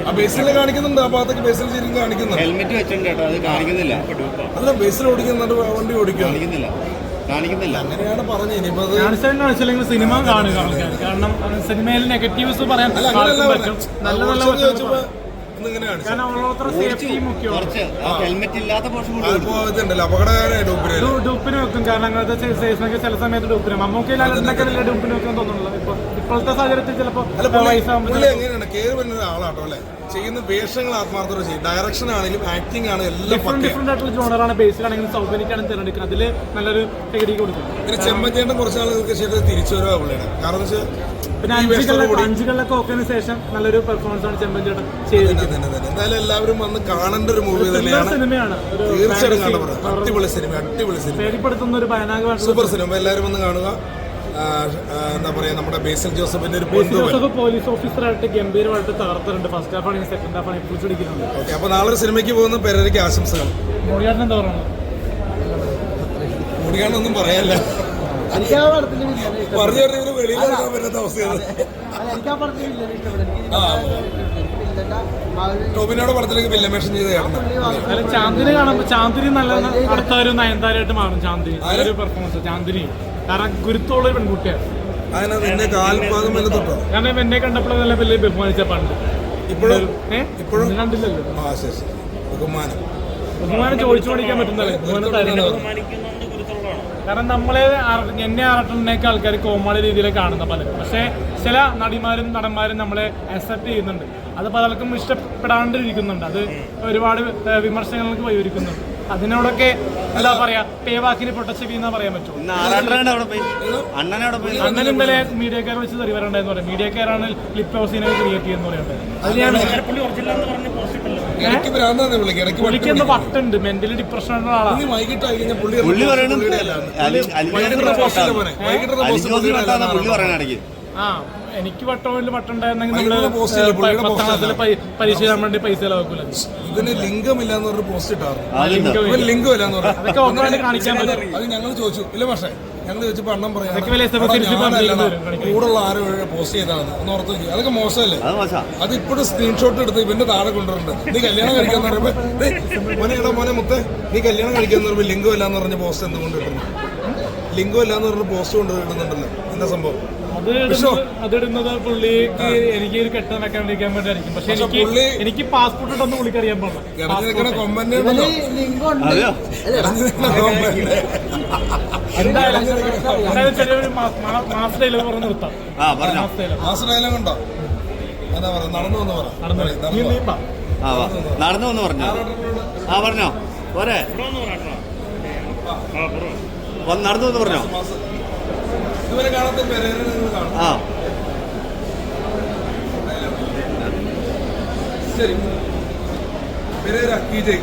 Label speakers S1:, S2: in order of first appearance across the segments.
S1: ബേസിൽ കാണിക്കുന്നുണ്ട്, ആ ഭാഗത്തേക്ക് ബേസിൽ ശരിക്കും കാണിക്കുന്നുണ്ട്.
S2: ഹെൽമെറ്റ് വെച്ചിട്ടുണ്ട് കേട്ടോ, അത് കാണിക്കുന്നില്ല.
S1: അല്ല ബേസിൽ ഓടിക്കുന്നുണ്ട്, വണ്ടി ഓടിക്കുക
S2: കാണിക്കുന്നില്ല.
S1: അങ്ങനെയാണ് പറഞ്ഞത്. ഇനിയിപ്പോ
S3: കാണിച്ചില്ലെങ്കിൽ സിനിമ കാണുക ആൾക്കാർ, കാരണം സിനിമയിൽ നെഗറ്റീവ്സ് പറയാൻ പറ്റും. നല്ല നല്ല
S2: ഹെൽമെറ്റ് ഇല്ലാത്ത
S3: ഡൂപ്പിന് വെക്കും, കാരണം അങ്ങനത്തെ സേഫ്നൊക്കെ ചില സമയത്ത് ഡൂപ്പിന് മമ്മൂക്കയിൽ അല്ലെന്നൊക്കെ വലിയ ഡൂപ്പിന് വെക്കാൻ തോന്നുന്നുള്ളൂ. ഇപ്പോഴത്തെ സാഹചര്യത്തിൽ ചിലപ്പോൾ
S1: എങ്ങനെയാണ് കയറി വരുന്ന ആളാട്ടോ അല്ലെ, ചെയ്യുന്ന വേഷങ്ങൾ ആത്മാർത്ഥത ചെയ്യും, ഡയറക്ഷൻ ആണെങ്കിലും ആക്ടിംഗ് ആണ് എല്ലാം
S3: ഡിഫറെന്റ് ആയിട്ടുള്ള ജോണറാണ്. ബേസിലാണെങ്കിലും സൗകര്യക്കാണെങ്കിലും തിരഞ്ഞെടുക്കുന്നത്, അതിൽ നല്ലൊരു ടെക്നിക്ക് കൊടുക്കും.
S1: പിന്നെ ചെമ്മച്ചേട്ടൻ കുറച്ച് ആളുകൾക്ക് ശേഷം തിരിച്ചു വരുക പുള്ളിയാണ്, കാരണം
S3: പിന്നെ അഞ്ചുകളിലൊക്കെ ഓക്കെന് ശേഷം നല്ലൊരു പെർഫോമൻസ് ആണ് ചെമ്പഞ്ചേട്ടൻ ചെയ്തിരിക്കുന്നത്.
S1: എന്തായാലും എല്ലാവരും വന്ന് കാണേണ്ട ഒരു മൂവി തന്നെയാണ്,
S3: സിനിമയാണ്.
S1: തീർച്ചയായിട്ടും കാണപ്പെടുന്നത്. അടിപൊളി സിനിമ, അടിപൊളി സിനിമ,
S3: പേടിപ്പെടുത്തുന്ന ഒരു ഭയാനകമായ
S1: സൂപ്പർ സിനിമ. എല്ലാവരും വന്ന് കാണുക. എന്താ പറയാ, നമ്മുടെ ബേസിൽ ജോസഫിന്റെ ഒരു
S3: പോലീസ് ഓഫീസറായിട്ട് ഗംഭീരമായിട്ട് തകർത്തിട്ടുണ്ട്. ഫസ്റ്റ് ഹാഫ് ആണെങ്കിൽ സെക്കൻഡ് ഹാഫ് ആണെങ്കിൽ പിടിച്ചിരിക്കുന്നുണ്ട്.
S1: ഓക്കെ, അപ്പൊ നാളെ ഒരു സിനിമയ്ക്ക് പോകുന്ന പെരേരയ്ക്ക് ആശംസകൾ.
S3: മോഡിയാട്ടൻ എന്താ പറയുന്നത്?
S1: മോഡിയാട്ടൊന്നും പറയാനില്ല, പറഞ്ഞു പറഞ്ഞ വെളിയിൽ ഇറങ്ങാൻ പറ്റാത്ത അവസ്ഥയാണ്. ടോബിനോട് പടത്തിലേക്ക് വില്ലമേഷൻ ചെയ്ത് കാണുന്നത്.
S3: ചാന്ദിനി കാണുമ്പോൾ ചാന്ദിനി നല്ല അടുത്ത ഒരു നയൻതാരമായിട്ട് മാറും. ചാന്ദിനി നല്ലൊരു പെർഫോമൻസ്. ചാന്ദിനി കാരണം ഗുരുത്തോളം ഒരു പെൺകുട്ടിയാണ്.
S1: എന്നെ കാൽപാദം വല്ല തൊട്ടോ,
S3: കാരണം എന്നെ കണ്ടപ്പോൾ നല്ല വലിയ ബഹുമാനിച്ച പണ്ട്.
S1: ഇപ്പോഴും
S3: കണ്ടില്ലല്ലോ. ബഹുമാനം ചോദിച്ചു പഠിക്കാൻ പറ്റുന്നല്ലേ, കാരണം നമ്മളെ എന്നെ ആറട്ടുന്നേക്ക് ആൾക്കാർ കോമാളി രീതിയിൽ കാണുന്ന പലരും. പക്ഷേ ചില നടിമാരും നടന്മാരും നമ്മളെ അക്സെപ്റ്റ് ചെയ്യുന്നുണ്ട്. അത് പലർക്കും ഇഷ്ടപ്പെടാണ്ടിരിക്കുന്നുണ്ട്. അത് ഒരുപാട് വിമർശനങ്ങൾക്ക് വഴിയൊരുക്കുന്നുണ്ട്. അതിനോടൊക്കെ എന്താ പറയാ, പേവാക്കിന് പൊട്ടച്ചെവി എന്നാ പറയാൻ പറ്റും. അണ്ണൻ ഇന്നലെ മീഡിയക്കാർ വെച്ച് തെറി വരണ്ടെന്ന് പറയാം. മീഡിയക്കാരാണ് ലിപ് ഹൗസിനെ ക്രിയേറ്റ് ചെയ്യുന്ന പറയുന്നത്. അത് ഞാൻ പുള്ളിക്കൊന്ന് വട്ടുണ്ട്, മെന്റലി ഡിപ്രഷൻ ഉള്ള ആളാണ്. എനിക്ക് വട്ടമുണ്ടായിരുന്നെങ്കിൽ നമ്മള് 10ാം ക്ലാസ്സിൽ പരീക്ഷ ചെയ്യാൻ വേണ്ടി പൈസ ചെലവാക്കൂല.
S1: ഇതിന് ലിംഗമില്ലാന്ന് പറഞ്ഞ പോസ്റ്റ് ഇട്ടാറ്, ലിംഗമില്ലാന്ന് പറഞ്ഞു.
S3: അതൊക്കെ ഓർമ്മ കാണിക്കാൻ പറ്റും.
S1: അത് ഞങ്ങൾ ചോദിച്ചു, ഇല്ല പക്ഷേ ഞങ്ങൾ ചോദിച്ചപ്പോ അണ്ണം പറയാം കൂടുള്ള ആരോ പോസ്റ്റ് ചെയ്താന്ന് ഒന്ന് ഓർത്ത് നോക്കി. അതൊക്കെ മോശമല്ലേ? അത് ഇപ്പോഴും സ്ക്രീൻഷോട്ട് എടുത്ത് ഇവന്റെ താഴെ കൊണ്ടുവരുന്നുണ്ട്. നീ കല്യാണം കഴിക്കാന്ന് പറയുമ്പോ മോനെ മുത്തേ നീ കല്യാണം കഴിക്കാന്ന് പറയുമ്പോ ലിംഗം ഇല്ലാന്ന് പറഞ്ഞ പോസ്റ്റ് എന്തുകൊണ്ട് കിട്ടുന്നു? ലിംഗം ഇല്ലാന്ന് പറഞ്ഞ പോസ്റ്റ് കൊണ്ട് കിട്ടുന്നുണ്ടല്ലോ, എന്താ സംഭവം?
S3: അതിടുന്നത് പുള്ളിക്ക് എനിക്ക് ഒരു കെട്ടാൻ വെക്കാണ്ടിരിക്കാൻ വേണ്ടിയായിരിക്കും. പക്ഷെ എനിക്ക് പാസ്പോർട്ട് ഇട്ടൊന്ന് പുള്ളിക്കറിയാൻ പാടില്ല. എന്തായാലും ചെറിയൊരു മാസ് ഡയലോഗ് പറഞ്ഞ് നിർത്താം.
S1: മാസ് ഡയലോഗ് ഉണ്ടോ? എന്താ പറയാ, നടന്നു വന്ന് പറ.
S2: നടന്നു വന്ന് പറഞ്ഞോ? പറഞ്ഞോ പോരെ, നടന്നു വന്ന് പറഞ്ഞോ?
S1: ഇതുവരെ കാണാത്ത പെരേര നിങ്ങൾ കാണും. ശരി, പെരേര കീജയ്.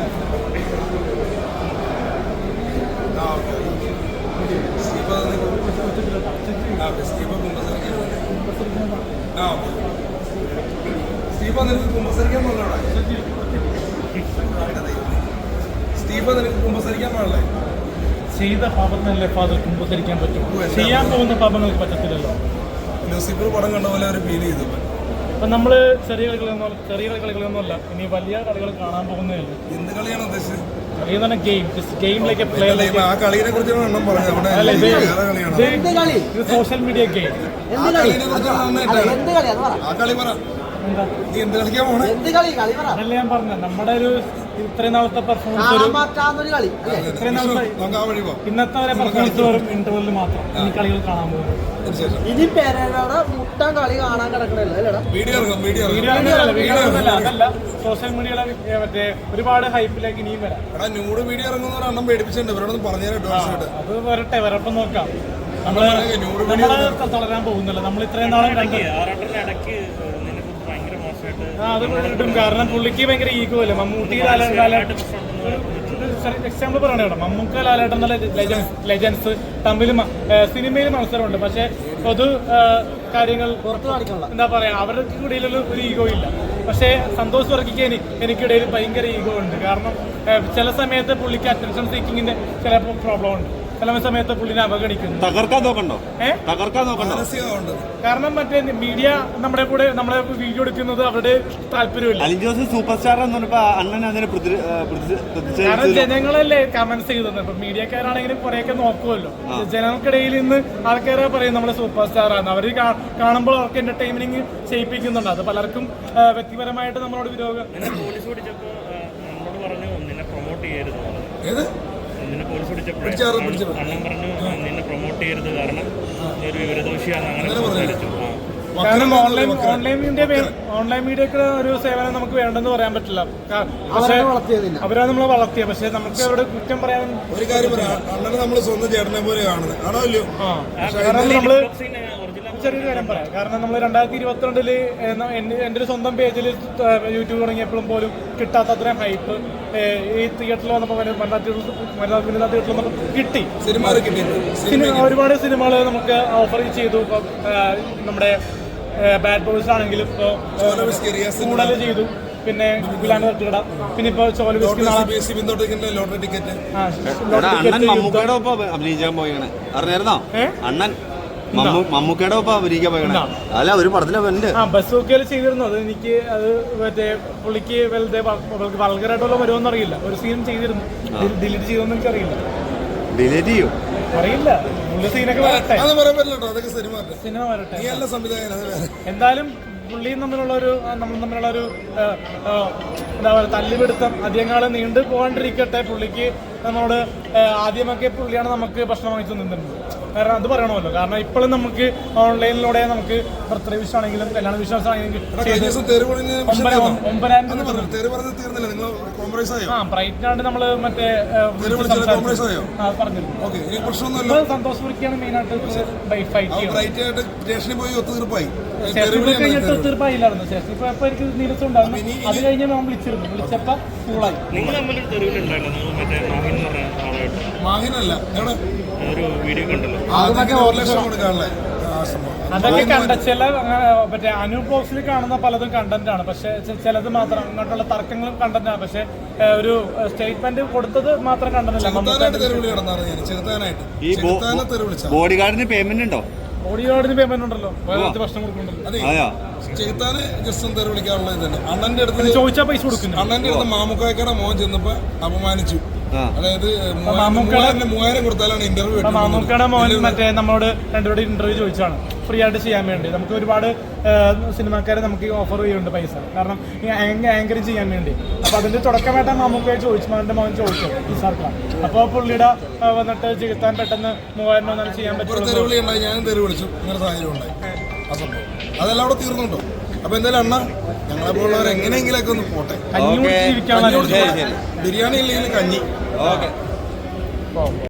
S1: സ്റ്റീഫ നിനക്ക് കുമ്പസരിക്കാൻ പാടില്ല. സ്റ്റീഫ നിനക്ക് കുമ്പസരിക്കാൻ പാടില്ലേ?
S3: ചെയ്ത പാപത്തിനല്ലേ ഫാദർ കുമ്പസരിക്കാൻ പറ്റും, ചെയ്യാൻ പോകുന്ന പാപങ്ങൾക്ക് പറ്റത്തില്ലല്ലോ.
S1: ലൂസിഫർ പടം കണ്ട പോലെ ഒരു ഫീൽ ചെയ്തു.
S3: അപ്പൊ നമ്മള് ചെറിയ കളികളൊന്നുമല്ല, ഇനി വലിയ കളികൾ കാണാൻ പോകുന്നതല്ലേ.
S1: എന്ത് കളിയാണ് ഉദ്ദേശിച്ചത്?
S3: ഗെയിമിലേക്ക് സോഷ്യൽ മീഡിയ ഗെയിം. അതല്ല ഞാൻ പറഞ്ഞത്, നമ്മുടെ ഒരു ഇത്രയും നാളത്തെ പെർഫോമൻസ്, ഇന്നത്തെ വരെ പെർഫോമൻസ് വെറും ഇന്റർവെല്ലിൽ മാത്രം. ഈ കളികൾ കാണാൻ പോകുന്നത്
S4: ഇനി പേരയുടെ മുട്ടൻ കളി കാണാൻ കിടക്കണല്ലോ.
S3: അതല്ല, സോഷ്യൽ മീഡിയയിലെ മറ്റേ ഒരുപാട് ഹൈപ്പിലേക്ക് ഇനിയും വരാം. അത് വരട്ടെ, വരപ്പം നോക്കാം. നമ്മള് തളരാൻ പോകുന്നില്ല. നമ്മൾ ഇത്രയും നാളെ അത് കിട്ടും, കാരണം പുള്ളിക്ക് ഭയങ്കര ഈഗോ അല്ലേ. മമ്മൂട്ടി എക്സാമ്പിൾ പറയണ കേട്ടോ, മമ്മൂക്ക ലാലേട്ടൻ നല്ല ലെജൻസ് തമ്മിൽ സിനിമയിൽ മത്സരമുണ്ട്. പക്ഷെ പൊതു കാര്യങ്ങൾ എന്താ പറയാ, അവർക്ക് ഇടയിലൊരു ഒരു ഈഗോ ഇല്ല. പക്ഷേ സന്തോഷ് വർക്കിക്ക് എനിക്കിടയിൽ ഭയങ്കര ഈഗോ ഉണ്ട്. കാരണം ചില സമയത്ത് പുള്ളിക്ക് അറ്റൻഷൻ സീക്കിങ്ങിന്റെ ചില പ്രോബ്ലം ഉണ്ട്. ചില സമയത്ത് പുള്ളിനെ അവഗണിക്കുന്നു.
S2: തകർക്കാൻ നോക്കണ്ടോ? തകർക്കാൻ നോക്കണ്ടോ?
S1: മാനസികമുണ്ട്.
S3: കാരണം മറ്റേ മീഡിയ നമ്മുടെ കൂടെ നമ്മളെ വീഡിയോ എടുക്കുന്നത് അവരുടെ താല്പര്യമില്ല.
S2: അലിൻ ജോസ് സൂപ്പർ സ്റ്റാർ എന്ന് പറഞ്ഞപ്പോ അണ്ണൻ അതിനെ
S3: കാരണം ജനങ്ങളല്ലേ കമന്റ്സ് ചെയ്തത്. ഇപ്പൊ മീഡിയക്കാരാണെങ്കിലും കുറെയൊക്കെ നോക്കുമല്ലോ. ജനങ്ങൾക്കിടയിൽ നിന്ന് ആൾക്കാരെ പറയും നമ്മള് സൂപ്പർ സ്റ്റാർ ആണ്. അവർ കാണുമ്പോൾ അവർക്ക് എന്റർടൈൻമെന്റ് ചെയ്യിപ്പിക്കുന്നുണ്ട്. അത് പലർക്കും വ്യക്തിപരമായിട്ട് നമ്മളോട് വിരോധം.
S5: പോലീസ് പിടിച്ചപ്പോ നമ്മളോട് പറഞ്ഞു നിന്നെ പ്രൊമോട്ട് ചെയ്യരുത്.
S1: ഏത്
S5: നിന്നെ പോലീസ് പിടിച്ചപ്പോഴേ അണ്ണൻ പറഞ്ഞു നിന്നെ പ്രൊമോട്ട് ചെയ്യരുത്, കാരണം നീ ഒരു വിവരദോഷിയാണ്, അങ്ങനെ സംസാരിച്ചു.
S3: കാരണം ഓൺലൈൻ മീഡിയക്ക് ഒരു സേവനം നമുക്ക് വേണ്ടെന്ന് പറയാൻ പറ്റില്ല. പക്ഷേ അവരാണ് നമ്മളെ വളർത്തിയത്. പക്ഷെ നമുക്ക് അവരുടെ കുറ്റം പറയാൻ
S1: ഒരു കാര്യം പറയാം, അണ്ണനെ നമ്മൾ സ്വന്തം ചേട്ടനെ പോലെ കാണുന്നത് ആണോ ഇല്ലയോ?
S3: കാരണം നമ്മള് ചെറിയൊരു കാര്യം പറയാം. കാരണം നമ്മൾ 2022 എൻ്റെ ഒരു സ്വന്തം പേജിൽ യൂട്യൂബ് തുടങ്ങിയപ്പോഴും പോലും കിട്ടാത്ത അത്രയും ഹൈപ്പ് ഈ തിയേറ്ററിൽ വന്നപ്പോൾ വനിതാ തിയേറ്ററിൽ വന്നപ്പോൾ കിട്ടി. ഒരുപാട് സിനിമകൾ നമുക്ക് ഓഫർ ചെയ്തു. ഇപ്പം നമ്മുടെ ബാഡ് ബോയ്സ് ആണെങ്കിലും കൂടുതൽ ചെയ്തു. പിന്നെ ഗുലാന്റെ തട്ടുകട, പിന്നെ ഇപ്പൊ
S1: ലോട്ടറി ടിക്കറ്റ്.
S2: അണ്ണൻ മമ്മൂക്കയുടെ ഒപ്പം അഭിനയിക്കാൻ പോയാണ് അറിഞ്ഞായിരുന്നോ? അണ്ണൻ മമ്മൂക്കയുടെ ഒപ്പം അഭിനയിക്കാൻ പോയാണ്. അല്ല ഒരു പടത്തിലുണ്ട്
S3: ബസ്സൊക്കെ ചെയ്തിരുന്നു. അത് എനിക്ക് അത് മറ്റേ പുള്ളിക്ക് വലുത് വൾഗറായിട്ടുള്ള വരുമെന്ന് അറിയില്ല. ഒരു സീൻ ചെയ്തിരുന്നു, ഡിലീറ്റ് ചെയ്തോന്ന് എനിക്ക് അറിയില്ല.
S2: ഡിലീറ്റ് ചെയ്യും
S3: അറിയില്ല. പുള്ളി സീനൊക്കെ വരട്ടെ,
S1: സിനിമ
S3: വരട്ടെ. എന്തായാലും പുള്ളിയും തമ്മിലുള്ള ഒരു എന്താ പറയുക തല്ലുപിടുത്തം അധികം കാലം നീണ്ടു പോകാണ്ടിരിക്കട്ടെ. പുള്ളിക്ക് നമ്മളോട് ആദ്യമൊക്കെ പുള്ളിയാണ് നമുക്ക് ഭക്ഷണം വാങ്ങിച്ചു നിന്നിട്ടുണ്ട്. കാരണം അത് പറയണമല്ലോ. കാരണം ഇപ്പോഴും നമുക്ക് ഓൺലൈനിലൂടെ നമുക്ക് ബർത്ത്ഡേ വിഷ് ആണെങ്കിലും കല്യാണ വിശ്വാസം ആണെങ്കിലും 9,000 ബ്രൈറ്റിനാണ്ട് നമ്മള് മറ്റേ പറഞ്ഞിരുന്നു. സന്തോഷ് മുറിക്കാണ് മെയിനായിട്ട് ഫൈറ്റ് ചെയ്യുന്നത്. ഒത്തുതീർപ്പായില്ലായിരുന്നു. ശേഷം ഇപ്പൊ എനിക്ക് നീരസം ഉണ്ടായിരുന്നു. അത് കഴിഞ്ഞ് നമ്മൾ വിളിച്ചപ്പോ കൂളായി.
S5: നിങ്ങൾ തമ്മിലൊരു തെരുവിലുണ്ടായിരുന്നു. നിങ്ങൾ മറ്റേ മാഹിൻ എന്ന് പറഞ്ഞ ആളായിട്ട്
S1: മാഹിനല്ല
S5: ഒരു വീഡിയോ കണ്ടല്ലോ.
S3: അതൊക്കെ കണ്ട ചില മറ്റേ അനൂപ് ബോക്സിൽ കാണുന്ന പലതും കണ്ടന്റ് ആണ്. പക്ഷെ ചിലത് മാത്രം ഇങ്ങോട്ടുള്ള തർക്കങ്ങളും കണ്ടന്റ് ആണ്. പക്ഷെ ഒരു സ്റ്റേറ്റ്മെന്റ് കൊടുത്തത് മാത്രം കണ്ടന്റ്.
S2: ബോഡി ഗാർഡിന് പേയ്മെന്റ് ഉണ്ടോ?
S3: ബോഡിഗാർഡിന് പേയ്മെന്റ് ഉണ്ടല്ലോ, ഭക്ഷണം കൊടുക്കുന്നുണ്ടല്ലോ.
S1: ചെകുത്താന് ജസ്റ്റ് ഒന്ന് വിളിക്കാനുള്ളത് തന്നെ. അണ്ണന്റെ അടുത്ത്
S3: ചോദിച്ചാൽ പൈസ കൊടുക്കുന്നു.
S1: അണ്ണന്റെ അടുത്ത് മാമുക്കായ്ക്കയുടെ മോൻ ചെന്നപ്പോ അപമാനിച്ചു. അതായത് 3,000 കൊടുത്താലാണ് ഇന്റർവ്യൂ.
S3: മാമുക്കയുടെ മോൻ മറ്റേ നമ്മളോട് രണ്ടുപേരുടെ ഇന്റർവ്യൂ ചോദിച്ചാണ് ഫ്രീ ആയിട്ട് ചെയ്യാൻ വേണ്ടി. നമുക്ക് ഒരുപാട് സിനിമാക്കാരെ നമുക്ക് ഓഫർ ചെയ്യുന്നുണ്ട് പൈസ, കാരണം ആങ്കറിങ് ചെയ്യാൻ വേണ്ടി. അപ്പൊ അതിന്റെ തുടക്കമായിട്ട് മാമുക്കയെ ചോദിച്ചു, അവന്റെ മോൻ ചോദിച്ചു നിസാർക്കാണ്. അപ്പൊ പുള്ളിയുടെ വന്നിട്ട് ചെകുത്താൻ പെട്ടെന്ന് 3,000 ചെയ്യാൻ പറ്റും.
S1: തെരുവിളി ഉണ്ടായി, ഞാനും തെരുവ് വിളിച്ചു. ഇങ്ങനെ സാഹചര്യം ഉണ്ടായി. ആ സംഭവം അതെല്ലാം അവിടെ തീർന്നുണ്ടോ? അപ്പൊ എന്തായാലും അണ്ണ ഞങ്ങളെ പോലുള്ളവർ എങ്ങനെയെങ്കിലൊക്കെ ഒന്ന് പോട്ടെ.
S3: കഞ്ഞി കുടിച്ച് ജീവിക്കാൻ
S1: ബിരിയാണി ഇല്ലെങ്കിൽ കഞ്ഞി.